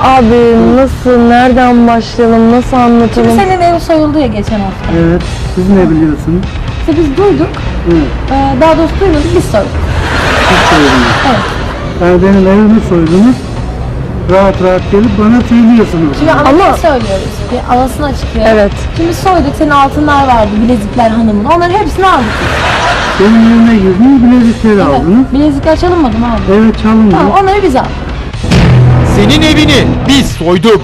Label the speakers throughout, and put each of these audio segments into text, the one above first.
Speaker 1: Abi nasıl, nereden başlayalım, nasıl anlatalım?
Speaker 2: Şimdi senin ev soyuldu ya geçen hafta.
Speaker 3: Evet. Siz ne biliyorsunuz?
Speaker 2: İşte biz duyduk.
Speaker 3: Evet.
Speaker 2: Daha doğrusu duymadık, biz soyduk.
Speaker 3: Siz soydunuz.
Speaker 2: Evet.
Speaker 3: Yani benim evimi soydunuz. Rahat rahat gelip bana söylüyorsunuz.
Speaker 2: Şimdi
Speaker 1: Ama-
Speaker 2: ama söylüyoruz. Bir havasını açıklayalım.
Speaker 1: Evet.
Speaker 2: Şimdi soyduk, senin altınlar vardı, bilezikler hanımın. Onların hepsini aldık.
Speaker 3: Benim evime girdiniz, bilezikleri aldınız.
Speaker 2: Evet. Bilezikler çalınmadı mı abi?
Speaker 3: Evet, çalındı.
Speaker 2: Tamam, onları biz aldık.
Speaker 4: Senin evini biz soyduk.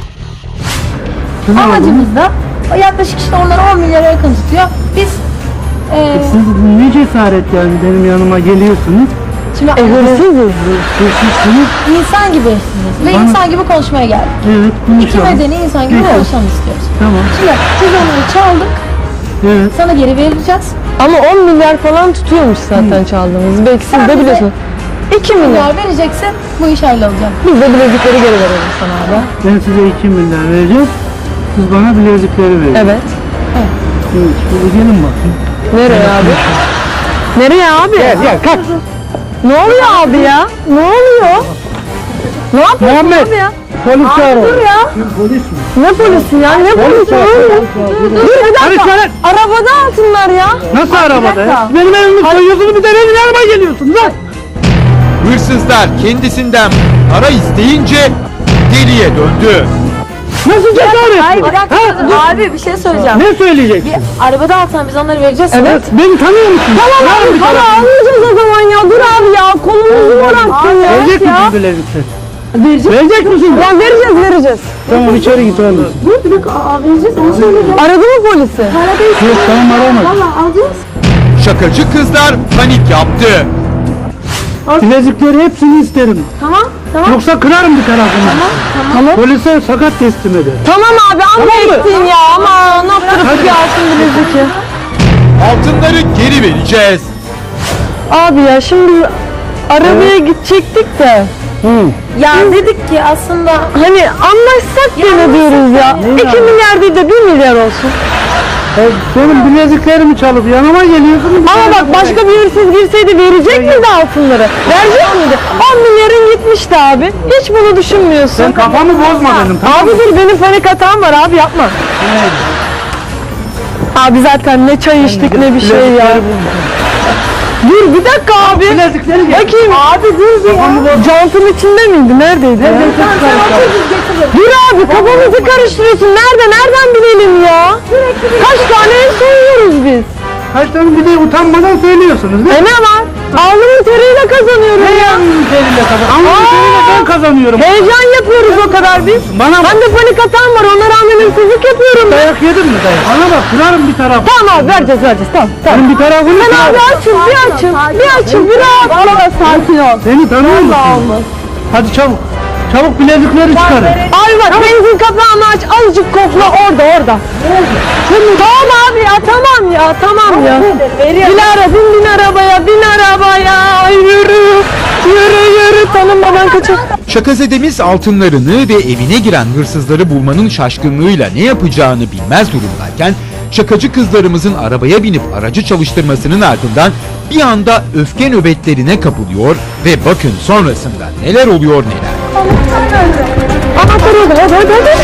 Speaker 3: Siz aldınız.
Speaker 2: Amacımız da o yaklaşık işte onlar 10 milyara yakın tutuyor. Biz
Speaker 3: Siz ne cesaret yani benim yanıma geliyorsunuz.
Speaker 2: şimdi
Speaker 1: Hırsızız.
Speaker 3: Hırsızsınız.
Speaker 2: insan gibi hırsızız ve
Speaker 3: Bana-
Speaker 2: insan gibi konuşmaya geldik.
Speaker 3: Evet,
Speaker 2: İki
Speaker 3: konuşalım.
Speaker 2: medeni insan gibi
Speaker 3: Peki.
Speaker 2: konuşalım istiyoruz.
Speaker 3: Tamam.
Speaker 2: Şimdi biz onları çaldık,
Speaker 3: Evet.
Speaker 2: sana geri vereceğiz.
Speaker 1: Ama 10 milyar falan tutuyormuş zaten çaldığımız. Belki siz
Speaker 2: Sen
Speaker 1: de
Speaker 2: bize-
Speaker 1: biliyorsunuz. 2 milyar.
Speaker 2: Milyar vereceksin, bu iş hallolacak.
Speaker 1: Biz de bilezikleri geri verelim sana abi.
Speaker 3: Ben size 2 milyar vereceğim. Siz bana bilezikleri verin.
Speaker 1: Evet.
Speaker 3: Evet. Şimdi gelin bakın.
Speaker 1: Nereye abi? Nereye abi?
Speaker 3: Gel kalk.
Speaker 1: Ne oluyor abi ya? Ne oluyor? Ne yapıyorsun
Speaker 3: Muhammed.
Speaker 1: abi ya?
Speaker 3: Polis çağırın.
Speaker 1: Dur ya.
Speaker 3: Polis mi?
Speaker 1: Ne polisi ya? Ne polisi? Ne oluyor? Dur bir dakika.
Speaker 3: Polis
Speaker 1: Arabada altınlar ya.
Speaker 3: Nasıl arabada ya?
Speaker 1: dakika.
Speaker 3: Benim evimi soyuyorsunuz, bir de benim yanıma geliyorsunuz lan.
Speaker 4: Hırsızlar kendisinden para isteyince deliye döndü.
Speaker 3: Nasıl cesaret?
Speaker 2: Hayır,
Speaker 3: bu?
Speaker 2: bir dakika.
Speaker 3: Ha?
Speaker 2: Dur. Abi bir şey söyleyeceğim.
Speaker 3: Ne söyleyeceksin?
Speaker 2: Bir arabada alsan biz onları vereceğiz.
Speaker 1: Evet.
Speaker 3: Beni tanıyor musun?
Speaker 1: Tamam
Speaker 3: Var
Speaker 1: abi
Speaker 3: bir
Speaker 1: para
Speaker 3: tarafın.
Speaker 1: almayacağız o zaman ya. Dur abi ya. Kolumuzu bıraktın ya.
Speaker 3: Verecek
Speaker 1: ya.
Speaker 3: misin bilezikleri? Verecek misin?
Speaker 1: Ya vereceğiz.
Speaker 3: Tamam, içeri git oğlum.
Speaker 2: Bir dakika, vereceğiz. Onu söyleyeceğim.
Speaker 1: Aradı mı polisi?
Speaker 3: Yok, tamam, arama.
Speaker 2: Valla alacağız.
Speaker 4: Şakacı kızlar panik yaptı.
Speaker 3: Bilezikleri hepsini isterim.
Speaker 2: Tamam.
Speaker 3: Yoksa kırarım bir tarafını.
Speaker 1: Tamam.
Speaker 3: Polise sakat teslim eder.
Speaker 1: Tamam abi amma
Speaker 3: Tamam mı?
Speaker 1: ettin ya. Ama ne yaptırıp bir altın bileziki.
Speaker 4: Altınları geri vereceğiz.
Speaker 1: Abi ya şimdi biz arabaya gidecektik de.
Speaker 2: Ya dedik ki aslında
Speaker 1: Hani anlaşsak gene diyoruz ya. 2 milyar değil de 1 milyar olsun.
Speaker 3: Benim bileziklerimi çalıp yanıma geliyorsun.
Speaker 1: Ama bak başka bir hırsız girseydi verecek miydi altınları? Verecek miydi? 10 milyarın gitmişti abi. Hiç bunu düşünmüyorsun.
Speaker 3: Sen kafamı bozma benim, tamam mı?
Speaker 1: Abi dur benim panik hatam var abi yapma. Abi zaten ne çay içtik ne bir şey ya. Dur bir dakika abi.
Speaker 3: Bilezikleri gel.
Speaker 1: Bakayım. Abi dur bir ya. Jantın içinde miydi? Neredeydi? Dur abi kafamızı karıştırıyorsun. Nereden bilelim ya? Kaç tane ev soyuyoruz biz?
Speaker 3: Kaç tane bir de utanmadan söylüyorsunuz değil mi?
Speaker 1: Ne var? Alnımın teriyle kazanıyorum ya.
Speaker 3: Anladın teriyle ben kazanıyorum.
Speaker 1: Heyecan yapıyoruz o kadar biz. Ben de panik hatam var. Ona rağmen hırsızlık yapıyorum ben.
Speaker 3: Dayak yedin mi dayak? Bana bak, kırarım bir tarafı.
Speaker 1: Tamam abi vereceğiz. Tamam.
Speaker 3: Benim bir tarafını
Speaker 1: Sen
Speaker 3: kırarım.
Speaker 1: abi açın. Bir rahat. Valla sakin ol.
Speaker 3: Beni tanıyor musun? Hadi çabuk. Çabuk bilezikleri çıkarın.
Speaker 1: Abi bak benzin kapağını aç. Azıcık kokla orada. Tamam abi ya tamam ya. Dilara bin arabaya. Ay, yürü tanınmadan kaçın.
Speaker 4: Şakazedemiz altınlarını ve evine giren hırsızları bulmanın şaşkınlığıyla ne yapacağını bilmez durumdayken şakacı kızlarımızın arabaya binip aracı çalıştırmasının ardından bir anda öfke nöbetlerine kapılıyor ve bakın sonrasında neler oluyor neler.
Speaker 1: Anahtar orada hadi.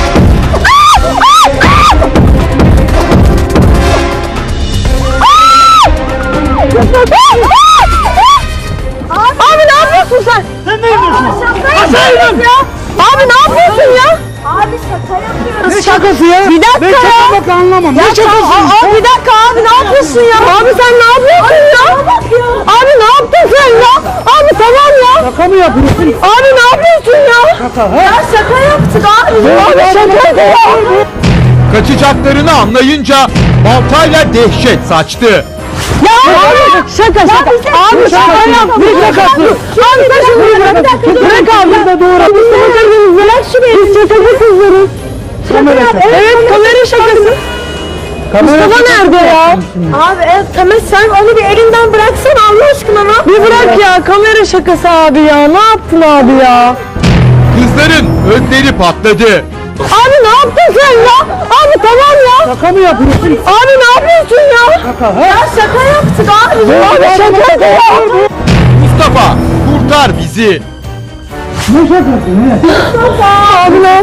Speaker 1: Abi ne yapıyorsun sen?
Speaker 3: Sen ne yapıyorsun?
Speaker 1: Abi ne yapıyorsun ya?
Speaker 2: abi şaka yapıyoruz.
Speaker 3: Ne şakası ya?
Speaker 1: Bir dakika
Speaker 3: Ben
Speaker 1: ya.
Speaker 3: şaka bak anlamam. Ne şakası?
Speaker 1: Bir dakika abi ne yapıyorsun ya? Abi sen ne yapıyorsun ya? Abi ne yaptın sen ya? Abi tamam ya.
Speaker 3: Şaka mı yapıyorsun?
Speaker 1: Abi ne yapıyorsun ya?
Speaker 3: Şaka ha?
Speaker 1: Ya şaka yaptık abi. Abi şaka ya.
Speaker 4: Kaçacaklarını anlayınca baltayla dehşet saçtı.
Speaker 1: Ya abi şaka. Abi şaka yaptık.
Speaker 3: Ne şakası?
Speaker 1: Abi sen şunu bırak abi. Bırak şurayı. Biz şakacı kızlarız.
Speaker 3: Kamera şakası.
Speaker 1: Evet kamera şakası. Mustafa nerede ya?
Speaker 2: Abi evet Tamer sen onu bir elinden bıraksana Allah aşkına lan.
Speaker 1: Bir bırak ya kamera şakası abi ya. Ne yaptın abi ya?
Speaker 4: Kızların ödleri patladı.
Speaker 1: Abi ne yaptın sen ya? Abi tamam ya.
Speaker 3: Şaka mı yapıyorsun?
Speaker 1: Abi ne yapıyorsun ya?
Speaker 3: Şaka ha?
Speaker 1: Ya şaka yaptık abi. Abi şaka ya.
Speaker 4: Mustafa kurtar bizi.
Speaker 3: Ne şakası ne?
Speaker 1: Abi ne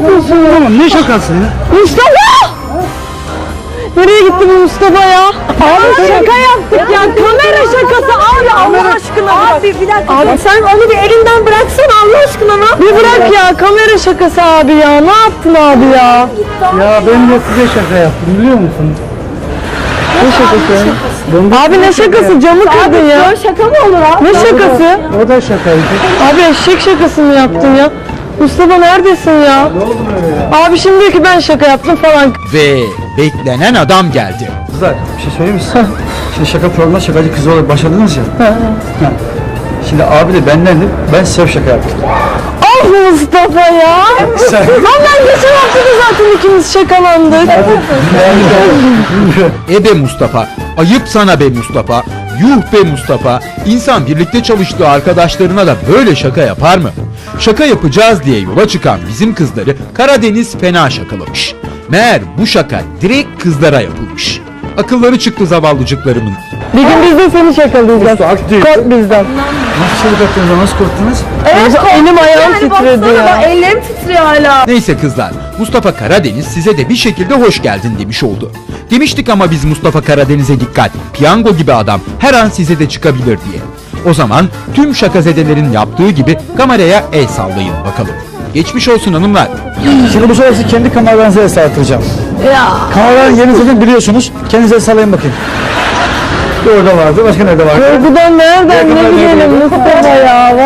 Speaker 1: yapıyorsun ya?
Speaker 3: Tamam ne şakası ya?
Speaker 1: Mustafa! Nereye gitti bu Mustafa ya? Abi şaka yaptık ya. Kamera şakası abi Allah aşkına.
Speaker 2: Abi bir dakika.
Speaker 1: Abi
Speaker 2: Sen onu bir elinden bıraksana Allah aşkına lan.
Speaker 1: bir bırak ya kamera şakası abi ya. Ne yaptın abi ya?
Speaker 3: Ya ben de size şaka yaptım biliyor musun?
Speaker 1: Ne şakası?
Speaker 3: Ben de
Speaker 1: Abi ne şakası? Camı kırdın ya.
Speaker 2: Böyle şaka mı olur abi?
Speaker 1: Ne şakası?
Speaker 3: O da şakaydı.
Speaker 1: Abi eşek şakası mı yaptın ya? Mustafa neredesin ya?
Speaker 3: Ne oldu böyle ya?
Speaker 1: Abi şimdi diyor ki ben şaka yaptım falan.
Speaker 4: Ve beklenen adam geldi.
Speaker 5: Kızlar bir şey söyleyeyim mi size? Şimdi şaka programında şakacı kız olarak başladınız ya. Ha. Şimdi abi de bendendir. Ben size şaka yaptım.
Speaker 1: Ah Mustafa ya.
Speaker 5: Sen...
Speaker 1: Ondan geçen hafta da zaten ikimiz şakalandık.
Speaker 4: Be Mustafa, ayıp sana be Mustafa, yuh be Mustafa. İnsan birlikte çalıştığı arkadaşlarına da böyle şaka yapar mı? Şaka yapacağız diye yola çıkan bizim kızları Karadeniz fena şakalamış. Meğer bu şaka direkt kızlara yapılmış. Akılları çıktı zavallıcıklarımın.
Speaker 1: Bir gün biz de seni şakalayacağız. Kork bizden.
Speaker 5: Nasıl çığlık attınız? Nasıl korktunuz?
Speaker 1: Evet, elim ayağım titredi ya.
Speaker 2: Ellerim titriyor hala.
Speaker 4: Neyse kızlar, Mustafa Karadeniz size de bir şekilde hoş geldin demiş oldu. Demiştik ama biz Mustafa Karadeniz'e dikkat, piyango gibi adam her an size de çıkabilir diye. O zaman tüm şakazedelerin yaptığı gibi kameraya el sallayın bakalım. Geçmiş olsun hanımlar.
Speaker 5: Şimdi bu sefer sizi kendi kameralarınıza el sallatacağım.
Speaker 1: Ya.
Speaker 5: Kameraların yerini zaten biliyorsunuz. Kendinize el sallayın bakayım. Bir orada vardı. Başka nerede vardı?
Speaker 1: Korkudan nereden ne bilelim Mustafa ya.